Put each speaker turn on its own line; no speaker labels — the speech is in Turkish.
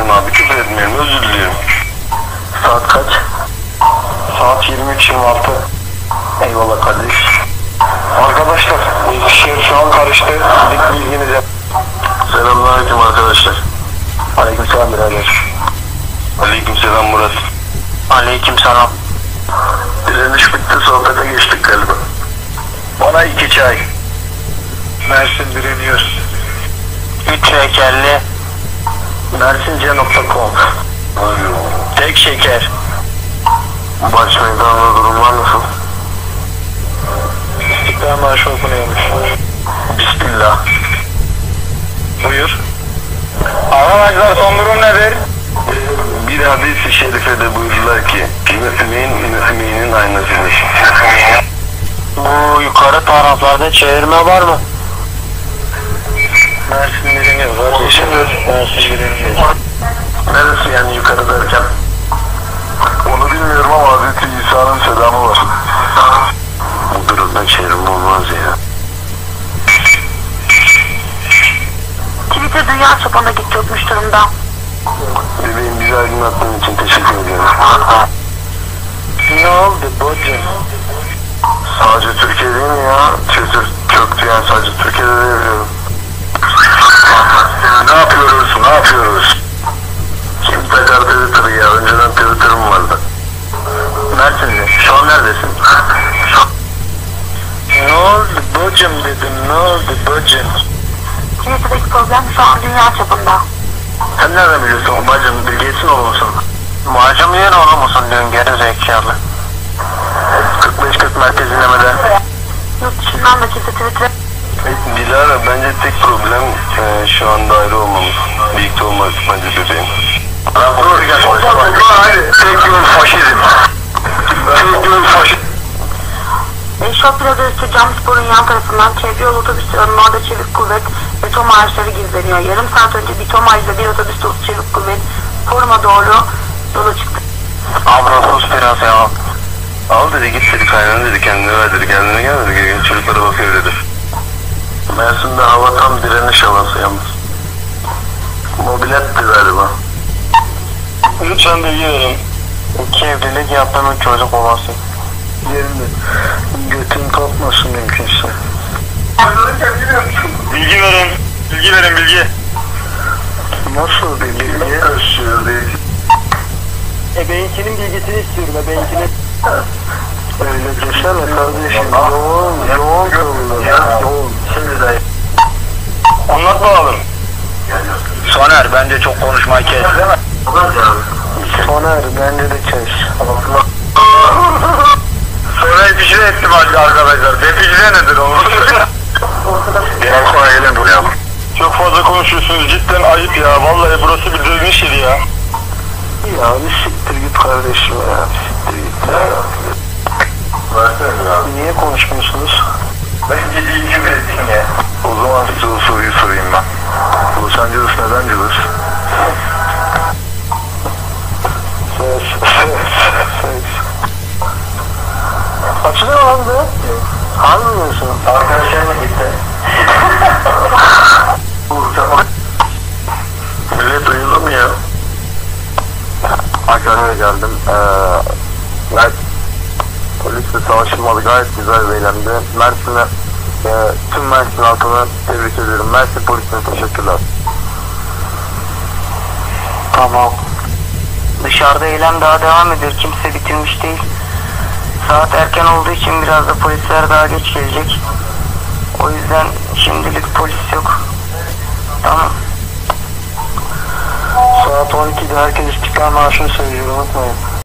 etmeyelim abi, küfür etmeyelim, özür diliyorum.
Saat kaç? Saat 23:26. Eyvallah kardeş. Arkadaşlar, Eskişehir şu an karıştı. Bilginize.
Selamünaleyküm arkadaşlar.
Aleykümselam birader.
Aleykümselam Murat.
Aleykümselam.
Direniş bitti, sohbete geçtik galiba.
Bana 2 çay. Mersin direniyor. 3 şekerli. Mersince.com. Tek şeker.
Baş meydanda durumlar nasıl?
İstiklal Marşı okunuyormuş.
Bismillah.
Buyur. Arkadaşlar son durum nedir?
Bir hadis-i şerifede buyurdular ki, Müslümin aynasıdır.
Bu yukarı taraflarda çevirme var mı? Mersin direniyor kardeşim. Mersin direniyor.
Neresi yani yukarı derken? Onu bilmiyorum ama Hazreti İsa'nın selamı var. Bu durumda çevirme olmaz ya.
Twitter dünya çapında gidecekmiş durumda.
Bebeğim, bizi aydınlattığın için teşekkür ediyorum.
Ne oldu bacım?
Sadece Türkiye değil mi ya? Twitter çöktü yani, sadece Türkiye'de de yapıyorum. Ne yapıyoruz? Kim takar Twitter'ı ya? Önceden Twitter'ım vardı.
Mersin'de.
Şu an neredesin?
Ne oldu bacım dedim, ne oldu bacım?
Twitter'daki problem şu an dünya çapında.
Sen nereden biliyorsun bacım? Bilgesin oğlu musun?
Bacım yer oğlum musun diyorsun geri zekalı.
45-40 merkez dinlemede.
Yurt dışından da kimse Twitter'a
Dilara, bence tek problem şu anda ayrı olmamız. Birlikte olmamız bence bebeğim. Tek yol faşizm.
Şok Plaza üstü Camspor'un yan tarafından çevre yolu otobüslerinin orada çevik kuvvet ve TOM araçları gizleniyor. Yarım saat önce bir TOM aracıyla bir otobüs dolusu çevik kuvvet foruma doğru yola çıktı.
Abra sus biraz ya. Al dedi, git dedi, kaynana dedi, kendine ver dedi, kendine gel dedi, gel çocuklara bakıyor dedi. Mersin'de hava tam direniş havası yalnız. Mobiletti galiba.
Lütfen bilgi verin. 2 evlilik yaptığımın çocuk babası.
Yerinde. Götün kalkmasın mümkünse.
Bilgi verin. Bilgi.
Nasıl bir bilgi?
Ebeynkinin bilgisini istiyorum, ebeynkinin.
Öyle desene kardeşim. Yoğun konular. Yoğun. Şimdi de.
Anlat bakalım. Soner, bence çok konuşmayı kes.
Soner, bence de kes.
Sonra defici ettim arkadaşlar. Defici nedir oğlum?
Biraz sonra gelin buraya.
Çok fazla konuşuyorsunuz, cidden ayıp ya. Vallahi burası bir dövüş yeri ya.
Ya bir siktir git kardeşim ya. Siktir git ya. Versene ya. Niye konuşmuyorsunuz?
Ben ciddi küfür ettim ya.
O zaman size o soruyu sorayım ben. Los Angeles neden cılız? Ses. Açılıyor mu abi? Anlamıyorsun.
Arkadaşlarıma gitti.
Millet uyudu mu ya? Ankara'ya geldim. Polisle savaşılmadı, gayet güzel bir eylemdi. Mersin'e, tüm Mersin halkına tebrik ediyorum. Mersin polisine teşekkürler.
Tamam.
Dışarıda eylem daha devam ediyor. Kimse bitirmiş değil. Saat erken olduğu için biraz da polisler daha geç gelecek. O yüzden şimdilik polis yok. Tamam.
Saat 12'de herkes İstiklal Marşı'nı söylüyor, unutmayın.